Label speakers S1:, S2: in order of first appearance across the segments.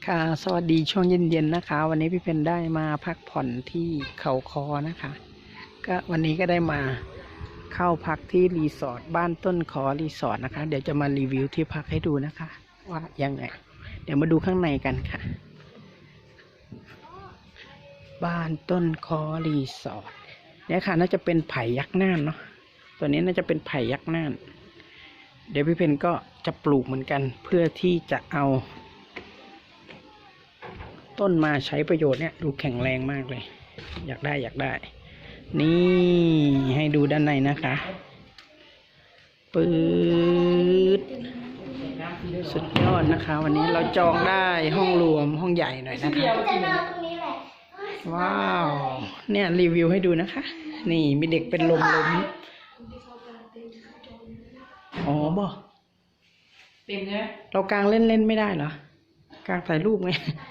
S1: ค่ะสวัสดีช่วงเย็นๆนะคะวันนี้พี่เพนได้มาพักผ่อนที่เขาคอนะคะก็วันนี้ก็ได้มาเข้าพักที่รีสอร์ทบ้านต้นคอรีสอร์ทนะคะเดี๋ยวจะมารีวิวที่พักให้ดูนะคะว่ายังไงเดี๋ยวมาดูข้างในกันค่ะบ้านต้นคอรีสอร์ทเนี่ยค่ะน่าจะเป็นไผ่ยักษ์น่านเนาะตัวนี้น่าจะเป็นไผ่ยักษ์น่านเดี๋ยวพี่เพนก็จะปลูกเหมือนกันเพื่อที่จะเอาต้นมาใช้ประโยชน์เนี่ยดูแข็งแรงมากเลยอยากได้นี่ให้ดูด้านในนะคะปื๊ดสุดยอดนะคะวันนี้เราจองได้ห้องรวมห้องใหญ่หน่อยนะคะว้าวเนี่ยรีวิวให้ดูนะคะนี่มีเด็กเป็นลมอ๋อบ่เต็มเลยเรากางเล่นไม่ได้เหรอกางถ่ายรูปไง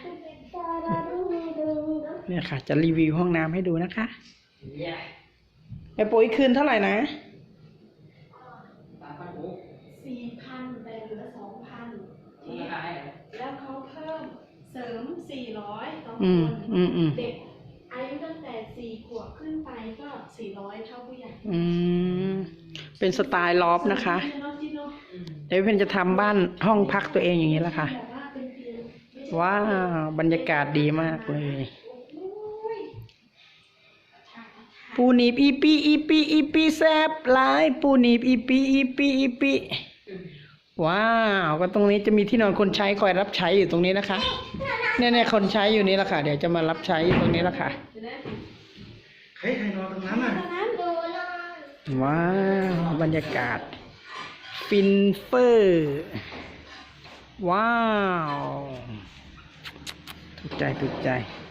S1: เนี่ยค่ะจะรีวิวห้องน้ำให้ดูนะคะไอ้ปุ๋ยคืนเท่าไหร่นะ
S2: 4,000แต่เหลือ 2,000 แล้วเขาเพิ่มเสริม400ต่อคนเด็กอายุตั้งแต่4 ขวบขึ้นไปก็400เท่าผู้ใหญ่
S1: เป็นสไตล์ลอฟนะคะเดี๋ยวเพนจะทำบ้านห้องพักตัวเองอย่างนี้แหละค่ะว้าวบรรยากาศดีมากเลยปูนีบอีปีแซบหลายปูนีบอีปีว้าวก็ตรงนี้จะมีที่นอนคนใช้คอยรับใช้อยู่ตรงนี้นะคะเนี่ยคนใช้อยู่นี่แหละค่ะเดี๋ยวจะมารับใช้อยู่ตรงนี้แหละค่ะใครนอนตรงนั้นอ่ะว้าวบรรยากาศฟินเฟอร์ว้าวถูกใจ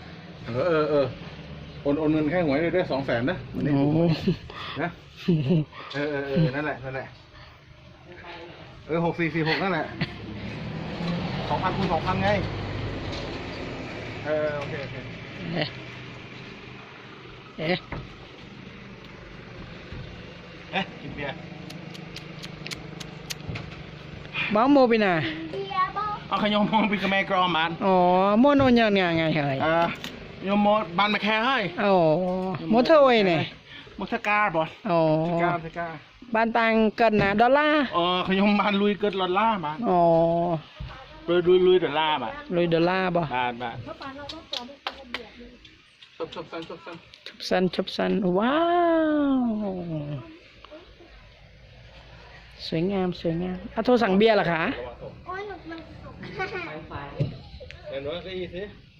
S3: โอนเงินแค่หวยได้200,000นะวันนี้นะนั่นแหละ6446นั่นแหละ2,000 คูณ 2,000ไงโอเคกินเบียร์
S1: บ้าโมไปไหน
S3: เอาขยมมองไปกับแม่กรอมมัน
S1: อ๋อโมโนยังไงเหร
S3: ยมโมบันมาแค่ให้
S1: อ๋อโมเทอร์เว้ยเนี่ย
S3: โมเทการบอล
S1: อ๋อบ้านตังเกินนะดอลลาร์
S3: ขยมบ้านลุยเกินดอลลาร์มา
S1: อ๋อ
S3: ลุยดอลลาร์มา
S1: ลุยดอลลาร์บ่
S3: บ้าน
S1: ชบสันว้าวสวยงามโทรสั่งเบียร์เหรอคะ
S3: เห็นว่าก็อีสิ